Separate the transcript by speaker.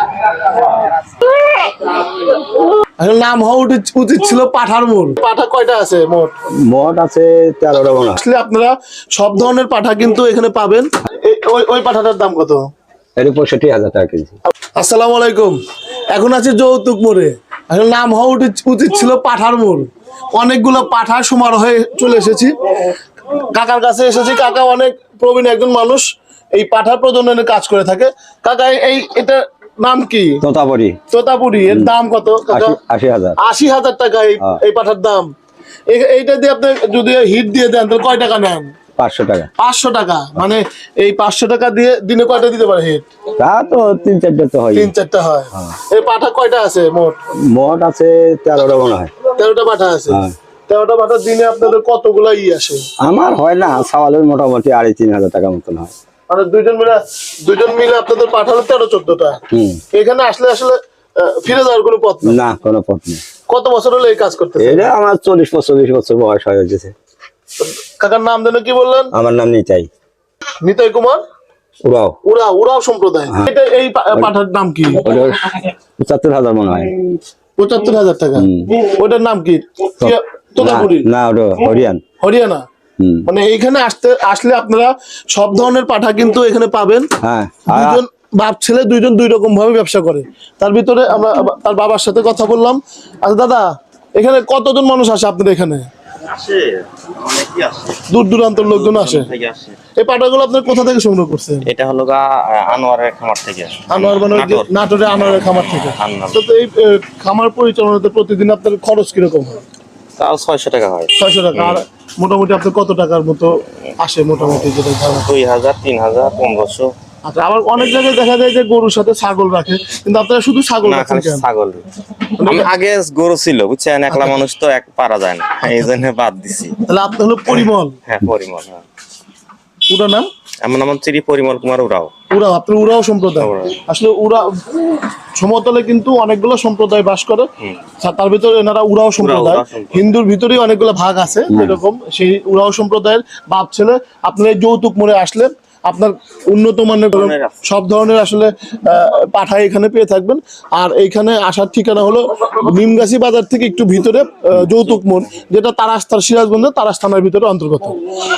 Speaker 1: নাম হওয়া উচিত ছিল পাঠার মোড়। পাঠা কয়টা আছে মোট?
Speaker 2: মোট আছে 13টা মনে হয়।
Speaker 1: আসলে আপনারা সব ধরনের পাঠা কিন্তু এখানে পাবেন। ওই পাঠাটার দাম কত?
Speaker 2: এর 65,000 টাকা কেজি।
Speaker 1: আসসালামু আলাইকুম। এখন আছে যৌতুক মোড়ে। আসলে নাম হওয়া উচিত ছিল পাঠার মোড়। অনেকগুলো পাঠার সমারোহে চলে এসেছি, কাকার কাছে এসেছি। কাকা অনেক প্রবীণ একজন মানুষ, এই পাঠা প্রজননের কাজ করে থাকে। কাকা এটা নাম কি?
Speaker 2: তোতাপুরি।
Speaker 1: তোতাপুরি। এর দাম কত?
Speaker 2: 80,000।
Speaker 1: 80,000 টাকা এই পাঠার দাম। এইটা দিয়ে আপনি যদি হিট দিয়ে দেন তাহলে কয় টাকা নেন?
Speaker 2: 500 টাকা।
Speaker 1: 500 টাকা। মানে এই 500 টাকা দিয়ে দিনে কয়টা দিতে পারে হিট?
Speaker 2: তা তো 3-4টা তো হয়।
Speaker 1: 3-4টা হয়। এই পাঠা কয়টা আছে মোট?
Speaker 2: মোট আছে 13টা মনে হয়।
Speaker 1: 13টা পাঠা আছে। 13টা পাঠা দিনে আপনাদের কতগুলা আসে?
Speaker 2: আমার হয় না, সাওয়ালের মোটামুটি 3,500 টাকা মতন হয়।
Speaker 1: মানে দুইজন মিলে আপনাদের পাঠালো 13-14টা। এখানে আসলে ফিরে যাওয়ার কোনো পথ নেই?
Speaker 2: না, কোনো পথ নেই।
Speaker 1: কত বছর হলো এই কাজ করতেছেন?
Speaker 2: এটা আমার 40-45 বছর বয়স হয়ে গেছে।
Speaker 1: কাকার নাম যেন কি বললেন?
Speaker 2: আমার নাম নিতাই।
Speaker 1: নিতাই কুমার
Speaker 2: উরাও।
Speaker 1: উরাও সম্প্রদায়। এই পাঠার নাম কি?
Speaker 2: 75,000 মনে হয়।
Speaker 1: 75,000 টাকা। ওটার নাম কি? তোতাপুরি
Speaker 2: না, ওটা
Speaker 1: হরিয়ানা। মানে এইখানে আসলে আপনারা সব ধরনের পাঠা কিন্তু এখানে পাবেন। দুজন বাপ ছেলে দুইজন দুই রকম ভাবে ব্যবসা করে। তার ভিতরে আমরা তার বাবার সাথে কথা বললাম। আচ্ছা দাদা, এখানে কতজন মানুষ আসে আপনাদের এখানে? দূর দূরান্তর লোকজন আসে। এই পাঠাগুলো আপনার কোথা থেকে সংগ্রহ করছেন?
Speaker 3: এটা হলো আনোয়ারের খামার থেকে।
Speaker 1: আনোয়ার মানে নাটোরে আনোয়ারের খামার থেকে। তো এই খামার পরিচালনাতে প্রতিদিন আপনার খরচ কিরকম হয়?
Speaker 3: তাও 600 টাকা হয়।
Speaker 1: 600 টাকা। আর মোটামুটি আপনার কত টাকার মতো আসে মোটামুটি? যেটা
Speaker 3: 2000, 3000, 1500।
Speaker 1: আচ্ছা, আবার অনেক জায়গায় দেখা যায় যে গরুর সাথে ছাগল রাখে, কিন্তু আপনারা শুধু ছাগল রাখেন কেন?
Speaker 3: ছাগল আগে গরু ছিল, বুঝছেন, একলা মানুষ তো পারা যায় না, এই জন্য বাদ দিছি।
Speaker 1: তাহলে আপনি হলো পরিমল?
Speaker 3: হ্যাঁ, পরিমল।
Speaker 1: পুরো নাম?
Speaker 3: আমার নাম শ্রী পরিমল কুমার উরাও।
Speaker 1: আপনি উরাও সম্প্রদায়। আসলে সমতলে কিন্তু অনেকগুলো সম্প্রদায় বাস করে, তার ভিতরে এনারা উরাও সম্প্রদায়। হিন্দুর ভিতরেই অনেকগুলো ভাগ আছে এরকম। সেই উরাও সম্প্রদায়ের বাপ ছেলে। আপনার এই যৌতুক মোড়ে আসলে আপনার উন্নত মানের সব ধরনের আসলে পাঠা এখানে পেয়ে থাকবেন। আর এইখানে আসার ঠিকানা হলো নিমগাছি বাজার থেকে একটু ভিতরে যৌতুক মোড়, যেটা সিরাজগঞ্জের তারাস থানার ভিতরে অন্তর্গত।